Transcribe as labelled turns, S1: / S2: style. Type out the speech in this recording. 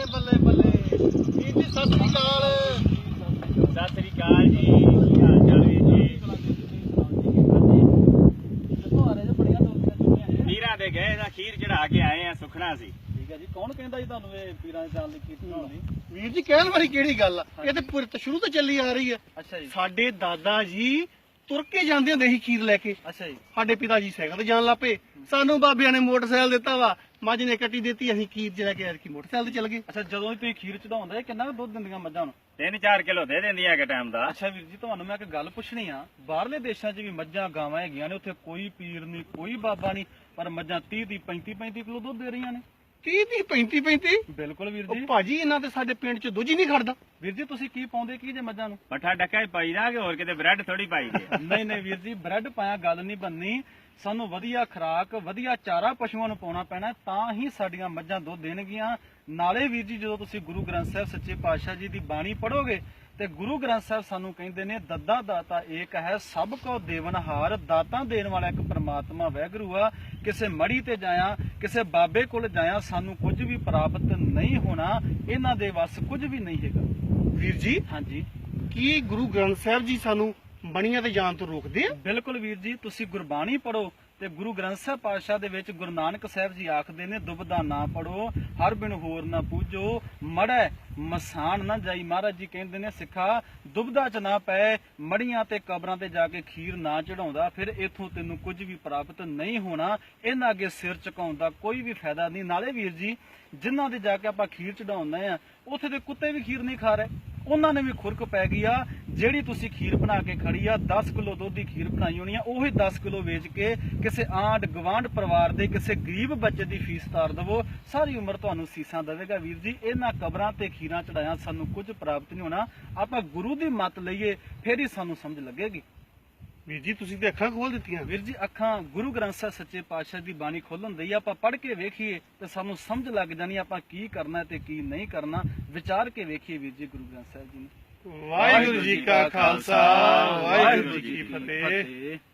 S1: ਬੱਲੇ ਬੱਲੇ ਬੱਲੇ ਵੀਰ ਜੀ ਸਤਿ ਸ੍ਰੀ ਅਕਾਲ।
S2: ਸਤਿ ਸ੍ਰੀ ਅਕਾਲ ਜੀ, ਕੀ ਹਾਲ ਚਾਲ ਵੀਰ ਜੀ? ਪੀਰਾਂ ਦੇ ਗਏ ਦਾ ਖੀਰ ਚੜਾ ਕੇ ਆਏ ਆ, ਸੁਖਣਾ ਸੀ।
S3: ਠੀਕ ਹੈ ਜੀ। ਕੌਣ ਕਹਿੰਦਾ ਜੀ ਤੁਹਾਨੂੰ ਇਹ ਪੀਰਾਂ ਦੇ ਜਾਣ ਲਈ ਖੀਰ ਚੜਾਉਣ ਦੀ?
S1: ਵੀਰ ਜੀ ਕਹਿਣ ਵਾਲੀ ਕਿਹੜੀ ਗੱਲ ਆ, ਇਹ ਤੇ ਸ਼ੁਰੂ ਤੋਂ ਚੱਲੀ ਆ ਰਹੀ ਹੈ।
S3: ਅੱਛਾ ਜੀ,
S1: ਸਾਡੇ ਦਾਦਾ ਜੀ ਤੁਰ ਕੇ ਜਾਂਦੇ ਹੁੰਦੇ ਸੀ ਖੀਰ ਲੈ ਕੇ,
S3: ਅੱਛਾ ਜੀ,
S1: ਸਾਡੇ ਪਿਤਾ ਜੀ ਸਾਈਕਲ ਤੇ ਜਾਣ ਲੱਪੇ, ਸਾਨੂੰ ਬਾਬਿਆਂ ਨੇ ਮੋਟਰਸਾਈਕਲ ਦਿੱਤਾ ਵਾ, ਮੱਝ ਨੇ ਕੱਟੀ ਦਿੱਤੀ, ਅਸੀਂ ਖੀਰ ਚ ਲੈ ਕੇ ਐਤਕੀ ਮੋਟਰਸਾਈਕਲ ਤੇ ਚੱਲ ਗਏ।
S3: ਅੱਛਾ। ਜਦੋਂ ਵੀ ਤੁਸੀਂ ਖੀਰ ਚੜਾਉਂਦੇ ਕਿੰਨਾ ਕੁ ਦੁੱਧ ਦਿੰਦੀਆਂ ਮੱਝਾਂ ਨੂੰ?
S2: 3-4 ਕਿਲੋ ਦੇ ਦਿੰਦੀ ਆ ਕਿ ਟਾਈਮ ਦਾ।
S3: ਅੱਛਾ ਵੀਰ ਜੀ, ਤੁਹਾਨੂੰ ਮੈਂ ਇੱਕ ਗੱਲ ਪੁੱਛਣੀ ਆ। ਬਾਹਰਲੇ ਦੇਸ਼ਾਂ 'ਚ ਵੀ ਮੱਝਾਂ ਗਾਵਾਂ ਹੈਗੀਆਂ ਨੇ, ਉੱਥੇ ਕੋਈ ਪੀਰ ਨਹੀਂ, ਕੋਈ ਬਾਬਾ ਨਹੀਂ, ਪਰ ਮੱਝਾਂ 30 35 ਕਿਲੋ ਦੁੱਧ ਦੇ ਰਹੀਆਂ ਨੇ।
S1: 30 35
S3: ਬਿਲਕੁਲ ਵੀਰ ਜੀ।
S1: ਭਾਜੀ ਇਹਨਾਂ ਤੇ ਸਾਡੇ ਪਿੰਡ ਚ ਦੁੱਧ ਹੀ ਨਹੀਂ ਖੜਦਾ।
S3: ਵੀਰ ਜੀ ਤੁਸੀਂ ਕੀ ਪਾਉਂਦੇ ਕੀ ਜੇ ਮੱਝਾਂ ਨੂੰ?
S2: ਪੱਠਾ ਡੱਕਾ ਹੀ ਪਾਈ ਦਾ ਕਿ ਹੋਰ ਕਿਤੇ ਬ੍ਰੈਡ ਥੋੜੀ ਪਾਈ ਦੀ ਆ।
S3: ਨਹੀਂ ਨਹੀਂ ਵੀਰ ਜੀ, ਬ੍ਰੈਡ ਪਾਇਆ ਗੱਲ ਨਹੀਂ ਬਣਨੀ। ਸਾਨੂੰ ਵਧੀਆ ਖੁਰਾਕ, ਵਧੀਆ ਚਾਰਾ ਪਸ਼ੂਆਂ ਨੂੰ ਪਾਉਣਾ ਪੈਣਾ, ਤਾਂ ਹੀ ਸਾਡੀਆਂ ਮੱਝਾਂ ਦੁੱਧ ਦੇਣਗੀਆਂ। ਨਾਲੇ ਵੀਰ ਜੀ ਜਦੋਂ ਤੁਸੀਂ ਗੁਰੂ ਗ੍ਰੰਥ ਸਾਹਿਬ ਸੱਚੇ ਪਾਤਸ਼ਾਹ ਜੀ ਦੀ ਬਾਣੀ ਪੜੋਗੇ ਤੇ ਗੁਰੂ ਗ੍ਰੰਥ ਸਾਹਿਬ ਸਾਨੂੰ ਕਹਿੰਦੇ ਨੇ ਦੱਦਾ ਦਾਤਾ ਏਕ ਹੈ, ਸਭ ਕੋ ਦੇਵਨਹਾਰ। ਦਾਤਾਂ ਦੇਣ ਵਾਲਾ ਇੱਕ ਪ੍ਰਮਾਤਮਾ ਵਾਹਿਗੁਰੂ ਆ। ਕਿਸੇ ਮੜੀ ਤੇ ਜਾਇਆ, ਕਿਸੇ ਬਾਬੇ ਕੋਲ ਜਾਇਆ, ਸਾਨੂੰ ਕੁਝ ਵੀ ਪ੍ਰਾਪਤ ਨਹੀਂ ਹੋਣਾ। ਇਹਨਾਂ ਦੇ ਵੱਸ ਕੁਝ ਵੀ ਨਹੀਂ ਹੈਗਾ।
S1: ਵੀਰ ਜੀ
S3: ਹਾਂਜੀ,
S1: ਕੀ ਗੁਰੂ ਗ੍ਰੰਥ ਸਾਹਿਬ ਜੀ ਸਾਨੂੰ ਬਣੀਆਂ ਤੇ ਜਾਣ ਤੋਂ ਰੋਕਦੇ ਆ?
S3: ਬਿਲਕੁਲ ਵੀਰ ਜੀ। ਤੁਸੀਂ ਗੁਰਬਾਣੀ ਪੜੋ ਤੇ ਗੁਰੂ ਗ੍ਰੰਥ ਸਾਹਿਬ ਪਾਤਸ਼ਾਹ ਦੇ ਵਿੱਚ ਗੁਰੂ ਨਾਨਕ ਸਾਹਿਬ ਜੀ ਆਖਦੇ ਨੇ ਦੁਬਦਾ ਨਾ ਪੜੋ, ਹਰ ਬਿਨ ਹੋਰ ਨਾ ਪੂਜੋ, ਮੜੈ ਮਸਾਨ ਨਾ ਜਾਈ। ਮਹਾਰਾਜ ਜੀ ਕਹਿੰਦੇ ਨੇ ਸਿੱਖਾ ਦੁਬਦਾ ਚ ਨਾ ਪਏ, ਮੜੀਆਂ ਤੇ ਕਬਰਾਂ ਤੇ ਜਾ ਕੇ ਖੀਰ ਨਾ ਚੜਾਉਂਦਾ, ਫਿਰ ਇਥੋਂ ਤੈਨੂੰ ਕੁਝ ਵੀ ਪ੍ਰਾਪਤ ਨਹੀਂ ਹੋਣਾ। ਇਹਨਾਂ ਅੱਗੇ ਸਿਰ ਝੁਕਾਉਣ ਦਾ ਕੋਈ ਵੀ ਫਾਇਦਾ ਨਹੀਂ। ਨਾਲੇ ਵੀਰ ਜੀ ਜਿਨ੍ਹਾਂ ਦੇ ਜਾ ਕੇ ਆਪਾਂ ਖੀਰ ਚੜਾਉਂਦੇ ਆ, ਉੱਥੇ ਦੇ ਕੁੱਤੇ ਵੀ ਖੀਰ ਨਹੀਂ ਖਾ ਰਹੇ, ਉਹਨਾਂ ਨੇ ਵੀ ਖੁਰਕ ਪੈ ਗਈ ਆ। ਜਿਹੜੀ ਤੁਸੀਂ ਖੀਰ ਬਣਾ ਕੇ ਖੜੀ ਆ, 10 ਕਿਲੋ ਦੁੱਧ ਦੀ ਖੀਰ ਬਣਾਈ ਹੋਣੀ ਆ, ਉਹੀ 10 ਕਿਲੋ ਵੇਚ ਕੇ ਕਿਸੇ ਆਂਢ ਗਵਾਂਢ ਪਰਿਵਾਰ ਦੇ ਕਿਸੇ ਗਰੀਬ ਬੱਚੇ ਦੀ ਫੀਸ ਤਾਰ ਦੇਵੋ, ਸਾਰੀ ਉਮਰ ਤੁਹਾਨੂੰ ਸੀਸਾਂ ਦੇਵੇਗਾ। ਵੀਰ ਜੀ ਇਹਨਾਂ ਕਬਰਾਂ ਤੇ ਖੀਰਾਂ ਚੜਾਇਆ ਸਾਨੂੰ ਕੁਝ ਪ੍ਰਾਪਤ ਨਹੀਂ ਹੋਣਾ। ਆਪਾਂ ਗੁਰੂ ਦੀ ਮੱਤ ਲਈਏ, ਫੇਰ ਹੀ ਸਾਨੂੰ ਸਮਝ ਲੱਗੇਗੀ।
S1: ਵੀਰ ਜੀ ਤੁਸੀਂ ਤੇ ਅੱਖਾਂ ਖੋਲ ਦਿੱਤੀਆਂ।
S3: ਵੀਰ ਜੀ ਅੱਖਾਂ ਗੁਰੂ ਗ੍ਰੰਥ ਸਾਹਿਬ ਸੱਚੇ ਪਾਤਸ਼ਾਹ ਦੀ ਬਾਣੀ ਖੋਲਣ ਦੀ ਆਪਾਂ ਪੜ੍ਹ ਕੇ ਵੇਖੀਏ ਤੇ ਸਾਨੂੰ ਸਮਝ ਲੱਗ ਜਾਣੀ ਆਪਾਂ ਕੀ ਕਰਨਾ ਤੇ ਕੀ ਨਹੀਂ ਕਰਨਾ। ਵਿਚਾਰ ਕੇ ਵੇਖੀਏ ਵੀਰ ਜੀ ਗੁਰੂ ਗ੍ਰੰਥ ਸਾਹਿਬ ਜੀ ਨੇ।
S1: ਵਾਹਿਗੁਰੂ ਜੀ ਕਾ ਖਾਲਸਾ, ਵਾਹਿਗੁਰੂ ਜੀ ਕੀ ਫਤਿਹ।